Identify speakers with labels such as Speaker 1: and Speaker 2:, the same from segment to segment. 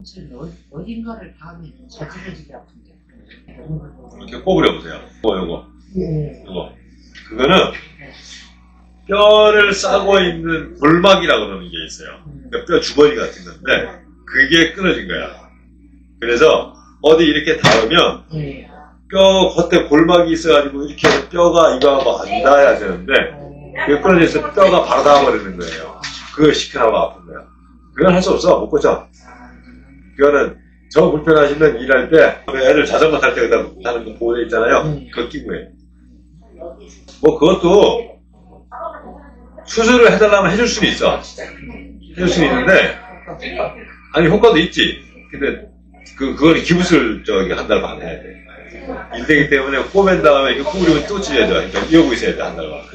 Speaker 1: 어딘가를 닿으면 자지러지게 아픈데.
Speaker 2: 이렇게 꼬부려 보세요. 요거.
Speaker 1: 예.
Speaker 2: 요거. 그거는 뼈를 싸고 있는 골막이라고 그러는 게 있어요. 그러니까 뼈 주머니 같은 건데 그게 끊어진 거야. 그래서 어디 이렇게 닿으면
Speaker 1: 예.
Speaker 2: 뼈 겉에 골막이 있어가지고 이렇게 뼈가 이거하고 안 닿아야 되는데 그게 끊어져서 뼈가 바로 닿아버리는 거예요. 그걸 시켜나고 아픈 거야. 그건 할 수 없어. 못 고쳐. 그거는 저 불편하시면 일할 때 애들 자전거 탈 때 하는 거 보호대 있잖아요. 그거 끼고 해. 뭐 그것도 수술을 해달라면 해줄 수는 있어. 해줄 수는 있는데 아니 효과도 있지. 근데 그거는 기부술 한 달 반 해야 돼. 인대기 때문에 꼬맨 다음에 이거 꼬부리면 또 찔려야 돼. 그러니까 이러고 있어야 돼, 한 달 반.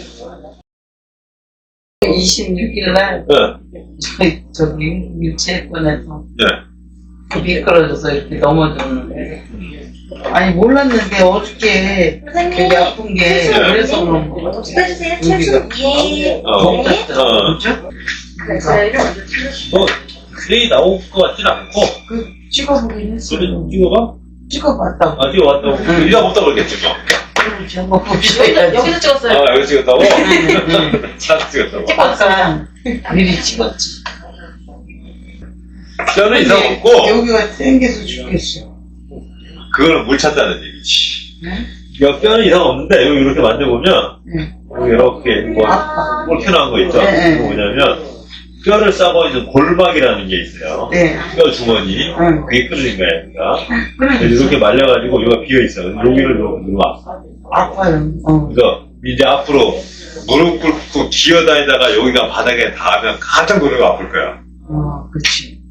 Speaker 1: 26일 날
Speaker 2: 네.
Speaker 1: 저기 유치원에서
Speaker 2: 네.
Speaker 1: 미끄러져서 이렇게 넘어졌는데 아니 몰랐는데 어저께 되게 아픈 게 그래서 그런 거 같아.
Speaker 3: 찍어주세요. 최초 위에.
Speaker 1: 그렇죠?
Speaker 2: 뭐, 그레이 나올 것 같진 않고.
Speaker 1: 그 찍어보긴 했어.
Speaker 2: 찍어봐?
Speaker 1: 찍어봤다고.
Speaker 2: 아, 찍어봤다고? 이가 없다고 그랬겠지, 뭐.
Speaker 1: 한번 봅시다.
Speaker 3: 여기서 찍었어요.
Speaker 2: 아, 여기 찍었다고? 딱 찍었다고.
Speaker 1: 아까 미리 찍었지.
Speaker 2: 뼈는 이상
Speaker 1: 근데
Speaker 2: 없고,
Speaker 1: 여기가 땡겨서 죽겠어.
Speaker 2: 그거는 물 찼다는 얘기지.
Speaker 1: 응?
Speaker 2: 뼈는 이상 없는데, 여기 이렇게 만져보면,
Speaker 1: 응.
Speaker 2: 여기 이렇게, 뭐,
Speaker 1: 아파.
Speaker 2: 꼴큐 나온 거 있죠?
Speaker 1: 네,
Speaker 2: 그거 뭐냐면, 뼈를 싸고 있는 골막이라는 게 있어요.
Speaker 1: 네.
Speaker 2: 뼈 주머니.
Speaker 1: 응.
Speaker 2: 그게 끊어진 거야, 그러니까.
Speaker 1: 그러니까
Speaker 2: 이렇게 말려가지고, 여기가 비어있어. 여기를 누르면 아파.
Speaker 1: 아파요.
Speaker 2: 그래서, 이제 앞으로 무릎 꿇고 기어다니다가 여기가 바닥에 닿으면 깜짝 놀라고 아플 거야.
Speaker 1: 그치.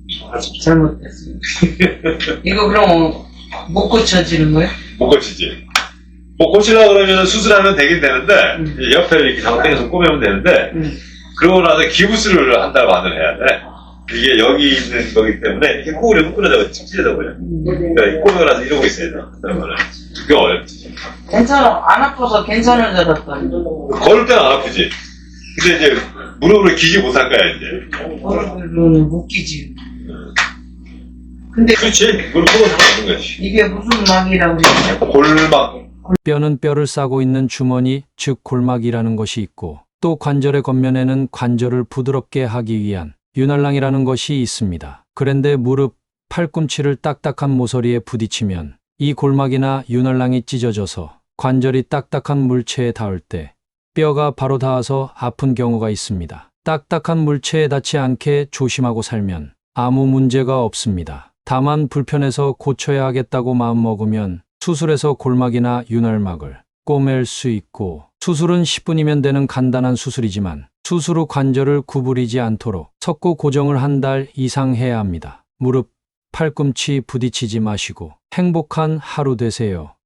Speaker 1: 잘못됐어. 이거 그럼 못 고쳐지는 거야?
Speaker 2: 못 고치지. 뭐 고치려고 그러면 수술하면 되긴 되는데, 이제 옆에 이렇게 장땡에서 꼬매면 되는데, 그러고 나서 기부술을 한 달 반을 해야 돼. 이게 여기 있는 거기 때문에 이렇게 꼬우려면 끊어져, 찢어져 버려. 그러니까 꼬매고 나서 이러고 있어야 돼. 한 달 반을. 그게 어렵지.
Speaker 1: 괜찮아. 안 아파서 괜찮은 줄 알았더니.
Speaker 2: 걸을 때는 안 아프지. 근데 이제 무릎을 기지 못할 거야, 이제.
Speaker 1: 얼굴로는 못 끼지. 근데
Speaker 2: 그렇지. 무릎 꿇어서 하는 거지.
Speaker 1: 이게 무슨 막이라고 그러냐?
Speaker 2: 골막.
Speaker 4: 뼈는 뼈를 싸고 있는 주머니, 즉 골막이라는 것이 있고 또 관절의 겉면에는 관절을 부드럽게 하기 위한 윤활랑이라는 것이 있습니다. 그런데 무릎, 팔꿈치를 딱딱한 모서리에 부딪히면 이 골막이나 윤활랑이 찢어져서 관절이 딱딱한 물체에 닿을 때 뼈가 바로 닿아서 아픈 경우가 있습니다. 딱딱한 물체에 닿지 않게 조심하고 살면 아무 문제가 없습니다. 다만 불편해서 고쳐야 하겠다고 마음먹으면 수술해서 골막이나 윤활막을 꼬맬 수 있고 수술은 10분이면 되는 간단한 수술이지만 수술 후 관절을 구부리지 않도록 석고 고정을 한 달 이상 해야 합니다. 무릎, 팔꿈치 부딪히지 마시고 행복한 하루 되세요.